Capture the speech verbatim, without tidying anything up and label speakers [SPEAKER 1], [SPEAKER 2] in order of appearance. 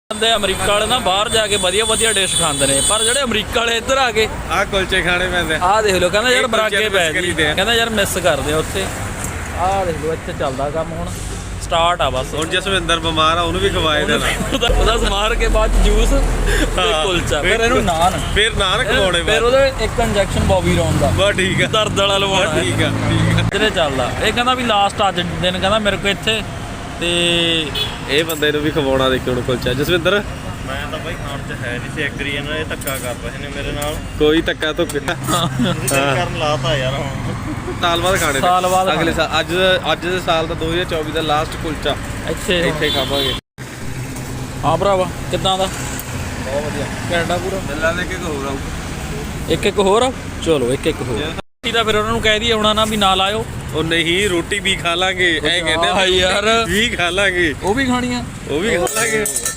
[SPEAKER 1] ਬੰਦੇ ਅਮਰੀਕਾ ਵਾਲੇ ਨਾ ਬਾਹਰ ਜਾ ਕੇ ਵਧੀਆ ਵਧੀਆ ਡਿਸ਼ ਖਾਂਦੇ ਨੇ, ਪਰ ਜਿਹੜੇ ਅਮਰੀਕਾ ਵਾਲੇ ਇੱਧਰ ਆ ਕੇ
[SPEAKER 2] ਆਹ ਕੁਲਚੇ ਖਾਣੇ ਪੈਂਦੇ।
[SPEAKER 1] ਆਹ ਦੇਖ ਲਓ, ਕਹਿੰਦਾ ਯਾਰ ਬਰਾਗੇ ਪੈ ਜੀ,
[SPEAKER 2] ਕਰੀਦੇ ਆ।
[SPEAKER 1] ਕਹਿੰਦਾ ਯਾਰ ਮਿਸ ਕਰਦੇ ਆ ਉੱਥੇ। ਆਹ ਦੇਖ ਲਓ ਇੱਥੇ ਚੱਲਦਾ ਕੰਮ ਹੁਣ ਸਟਾਰਟ ਆ ਬਸ।
[SPEAKER 2] ਹੁਣ ਜਸਵਿੰਦਰ ਬਿਮਾਰ ਆ, ਉਹਨੂੰ ਵੀ ਖਵਾਏ ਦੇਣਾ।
[SPEAKER 1] ਉਹਦਾ ਉਹਦਾ ਸਮਾਰ ਕੇ ਬਾਅਦ ਚ ਜੂਸ ਤੇ ਕੁਲਚਾ, ਫਿਰ ਇਹਨੂੰ ਨਾਨ,
[SPEAKER 2] ਫਿਰ ਨਾਨ ਖਵਾਉਣੇ
[SPEAKER 1] ਫਿਰ ਉਹਦੇ ਇੱਕ ਇੰਜੈਕਸ਼ਨ ਬੋਬੀ ਰੌਨ ਦਾ
[SPEAKER 2] ਬਸ ਠੀਕ ਆ,
[SPEAKER 1] ਦਰਦ ਵਾਲਾ ਲਵਾਉਣਾ।
[SPEAKER 2] ਠੀਕ ਆ ਠੀਕ ਆ।
[SPEAKER 1] ਜਿਹੜੇ ਚੱਲਦਾ ਇਹ ਕਹਿੰਦਾ ਵੀ ਲਾਸਟ ਅੱਜ ਦਿਨ ਕਹਿੰਦਾ ਮੇਰੇ ਕੋਲ ਇੱਥੇ, ਤੇ
[SPEAKER 2] ਇਹ ਬੰਦੇ ਨੂੰ ਵੀ ਖਵਾਉਣਾ ਦੇਖੋ ਹੁਣ ਕੁਲਚਾ। ਜਸਵਿੰਦਰ
[SPEAKER 3] ਮੈਂ ਤਾਂ ਬਾਈ ਖਾਣ ਚ ਹੈ ਨਹੀਂ ਸੀ, ਐਗਰੀ ਇਹਨਾਂ ਇਹ ਧੱਕਾ ਕਰ ਰਹੇ ਨੇ ਮੇਰੇ ਨਾਲ।
[SPEAKER 2] ਕੋਈ ਧੱਕਾ ਧੁੱਕ
[SPEAKER 3] ਤੁਸੀਂ ਤਾਂ ਕਰਨ ਲਾਤਾ ਯਾਰ ਹੁਣ।
[SPEAKER 2] ਸਾਲ ਬਾਅਦ ਖਾਣੇ ਨੇ।
[SPEAKER 1] ਸਾਲ ਬਾਅਦ
[SPEAKER 2] ਅਗਲੇ ਸਾਲ ਅੱਜ ਅੱਜ ਦੇ ਸਾਲ ਦਾ ਦੋ ਹਜ਼ਾਰ ਚੌਵੀ ਦਾ ਲਾਸਟ ਕੁਲਚਾ
[SPEAKER 1] ਇੱਥੇ
[SPEAKER 2] ਇੱਥੇ ਖਾਵਾਂਗੇ।
[SPEAKER 1] ਹਾਂ ਭਰਾਵਾ ਕਿੱਦਾਂ ਦਾ?
[SPEAKER 2] ਬਹੁਤ ਵਧੀਆ
[SPEAKER 1] ਕੈਨੇਡਾ ਪੂਰਾ
[SPEAKER 2] ਮਿਲਾਂ ਦੇ ਕੇ ਹੋਰ ਆਊ।
[SPEAKER 1] ਇੱਕ ਇੱਕ ਹੋਰ ਆ? ਚਲੋ ਇੱਕ ਇੱਕ ਹੋਰ ਤਾਂ ਫਿਰ ਉਹਨਾਂ ਨੂੰ ਕਹਿ ਦਈਏ ਆਉਣਾ ਨਾ ਵੀ ਨਾਲ ਆਇਓ।
[SPEAKER 2] ਉਹ ਨਹੀਂ, ਰੋਟੀ ਵੀ ਖਾ ਲਾਂਗੇ, ਐ ਕਹਿੰਦੇ
[SPEAKER 1] ਹਾਂ ਯਾਰ,
[SPEAKER 2] ਵੀ ਖਾ ਲਾਂਗੇ,
[SPEAKER 1] ਉਹ ਵੀ ਖਾਣੀਆਂ,
[SPEAKER 2] ਉਹ ਵੀ ਖਾ ਲਾਂਗੇ।